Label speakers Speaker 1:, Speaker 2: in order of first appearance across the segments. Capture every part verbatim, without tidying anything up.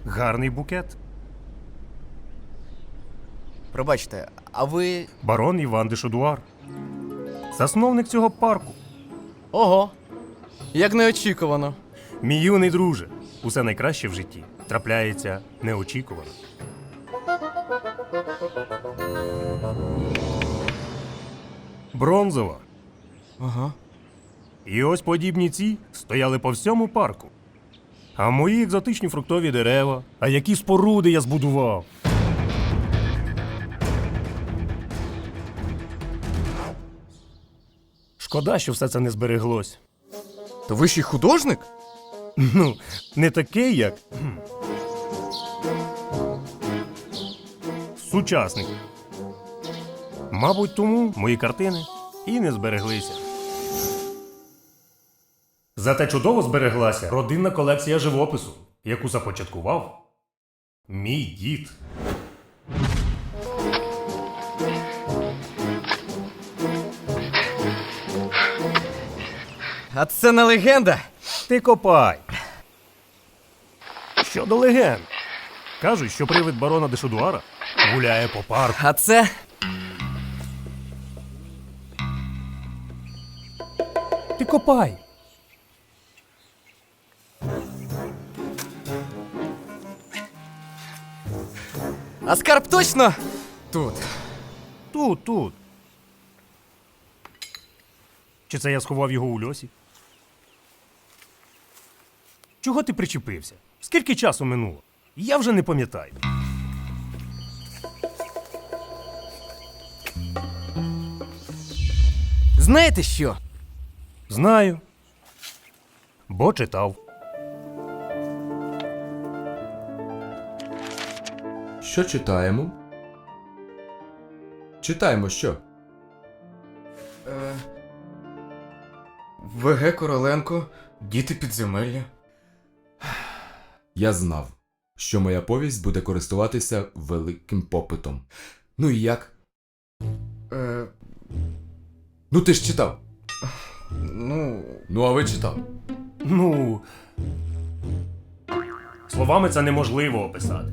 Speaker 1: Гарний букет.
Speaker 2: Пробачте, а ви.
Speaker 1: Барон Іван де Шодуар. Засновник цього парку.
Speaker 2: Ого! Як неочікувано.
Speaker 1: Мій юний друже. Усе найкраще в житті трапляється неочікувано. Бронзова.
Speaker 2: Ага.
Speaker 1: І ось подібні ці стояли по всьому парку. А мої екзотичні фруктові дерева. А які споруди я збудував. Шкода, що все це не збереглось.
Speaker 2: То ви ще й художник?
Speaker 1: Ну, не такий, як кхм, сучасник. Мабуть, тому мої картини і не збереглися. Зате чудово збереглася родинна колекція живопису, яку започаткував мій дід.
Speaker 2: А це не легенда.
Speaker 1: Ти копай. Щодо легенд. Кажуть, що привид барона де Шодуара гуляє по парку.
Speaker 2: А це.
Speaker 1: Ти копай.
Speaker 2: А скарб точно тут.
Speaker 1: Тут, тут. Чи це я сховав його у льосі? Чого ти причепився? Скільки часу минуло? Я вже не пам'ятаю.
Speaker 2: Знаєте що?
Speaker 1: Знаю. Бо читав.
Speaker 3: Що читаємо? Читаємо що?
Speaker 2: Е... ВГ Короленко, Діти підземелля.
Speaker 3: Я знав, що моя повість буде користуватися великим попитом. Ну і як?
Speaker 2: Е...
Speaker 3: Ну ти ж читав.
Speaker 2: Ну.
Speaker 3: Ну а ви читав.
Speaker 1: Ну. Словами це неможливо описати.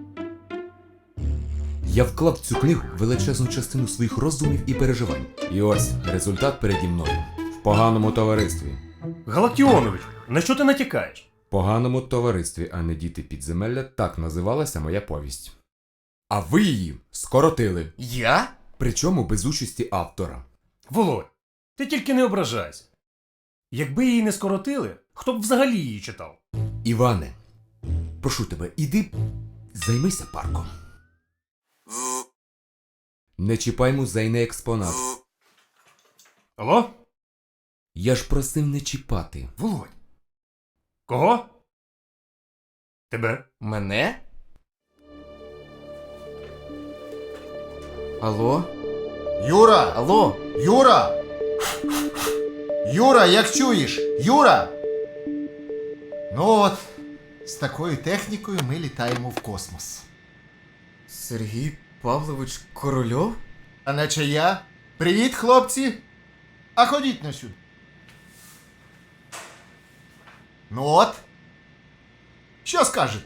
Speaker 3: Я вклав в цю книгу величезну частину своїх роздумів і переживань. І ось результат переді мною. В поганому товаристві.
Speaker 1: Галактіонович, на що ти натякаєш?
Speaker 3: В поганому товаристві, а не Діти підземелля, так називалася моя повість. А ви її скоротили.
Speaker 2: Я?
Speaker 3: Причому без участі автора.
Speaker 1: Володь, ти тільки не ображайся. Якби її не скоротили, хто б взагалі її читав?
Speaker 3: Іване, прошу тебе, іди займися парком. Не чіпай музейний експонат.
Speaker 1: Алло?
Speaker 3: Я ж просив не чіпати.
Speaker 1: Володь. Кого? Тебе?
Speaker 2: Мене? Алло?
Speaker 4: Юра!
Speaker 2: Алло?
Speaker 4: Юра! Юра, як чуєш? Юра! Ну от, з такою технікою ми літаємо в космос.
Speaker 2: Сергій Павлович Корольов?
Speaker 4: А наче я? Привіт, хлопці! А ходіть на сюди. Ну от. Що скажете?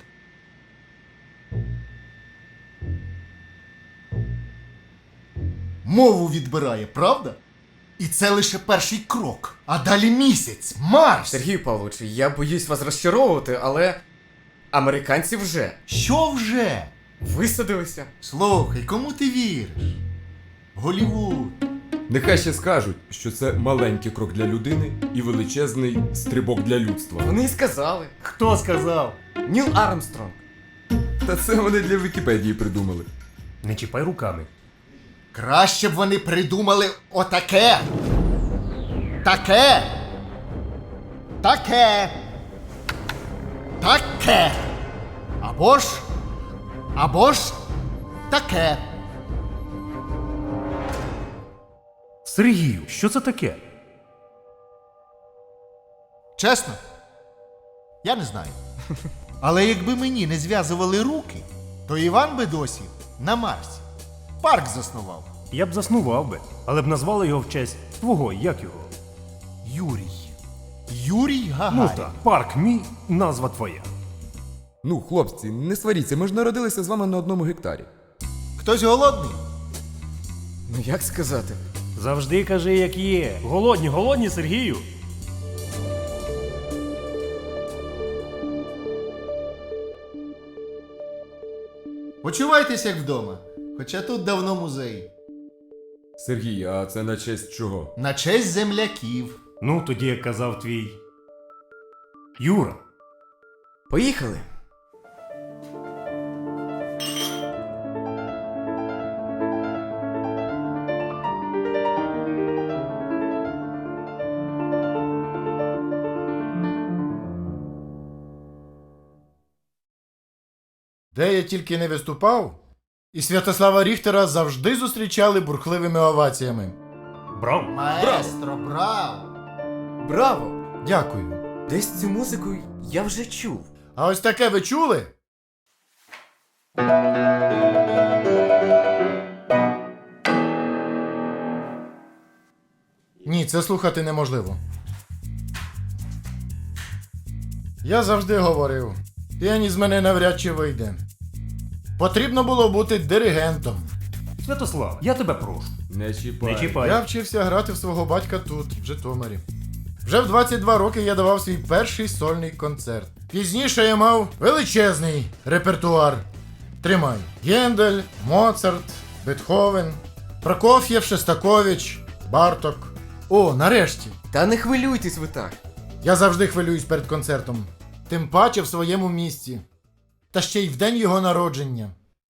Speaker 4: Мову відбирає, правда? І це лише перший крок. А далі місяць, Марс.
Speaker 2: Сергій Павлович, я боюсь вас розчаровувати, але американці вже
Speaker 4: Що вже?
Speaker 2: висадилися.
Speaker 4: Слухай, кому ти віриш? Голівуд.
Speaker 3: Нехай ще скажуть, що це маленький крок для людини і величезний стрибок для людства.
Speaker 2: Вони і сказали.
Speaker 1: Хто сказав?
Speaker 2: Ніл Армстронг.
Speaker 3: Та це вони для Вікіпедії придумали.
Speaker 1: Не чіпай руками.
Speaker 4: Краще б вони придумали отаке. Таке. Таке. Таке. Або ж. Або ж таке.
Speaker 1: Сергію, що це таке?
Speaker 4: Чесно? Я не знаю. Але якби мені не зв'язували руки, то Іван би досі на Марсі парк заснував.
Speaker 1: Я б заснував би, але б назвали його в честь твого, як його?
Speaker 4: Юрій. Юрій Гагарін.
Speaker 1: Ну так, парк мій, назва твоя.
Speaker 3: Ну, хлопці, не сваріться, ми ж народилися з вами на одному гектарі.
Speaker 4: Хтось голодний?
Speaker 2: Ну як сказати?
Speaker 1: Завжди кажи, як є. Голодні, голодні, Сергію.
Speaker 4: Почувайтесь як вдома. Хоча тут давно музей.
Speaker 3: Сергій, а це на честь чого?
Speaker 4: На честь земляків.
Speaker 1: Ну, тоді, як казав твій. Юра.
Speaker 2: Поїхали.
Speaker 5: Де я тільки не виступав, і Святослава Ріхтера завжди зустрічали бурхливими оваціями.
Speaker 1: Браво.
Speaker 4: Маестро, браво!
Speaker 2: Браво!
Speaker 5: Дякую.
Speaker 2: Десь цю музику я вже чув.
Speaker 5: А ось таке ви чули? Ні, це слухати неможливо. Я завжди говорив, піаніст з мене навряд чи вийде. Потрібно було бути диригентом.
Speaker 1: Святослав, я тебе прошу.
Speaker 3: Не чіпай.
Speaker 1: Не чіпай.
Speaker 5: Я вчився грати в свого батька тут, в Житомирі. Вже в двадцять два роки я давав свій перший сольний концерт. Пізніше я мав величезний репертуар. Тримай. Гендель, Моцарт, Бетховен, Прокоф'єв, Шестакович, Барток. О, нарешті!
Speaker 2: Та не хвилюйтесь ви так.
Speaker 5: Я завжди хвилююсь перед концертом. Тим паче в своєму місті. Та ще й в день його народження.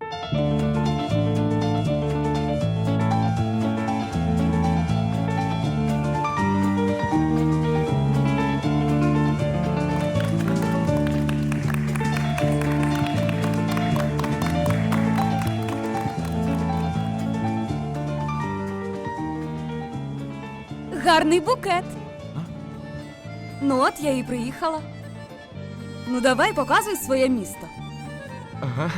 Speaker 6: Гарний букет. Ну от я і приїхала. Ну давай, показуй своє місто.
Speaker 2: Ага.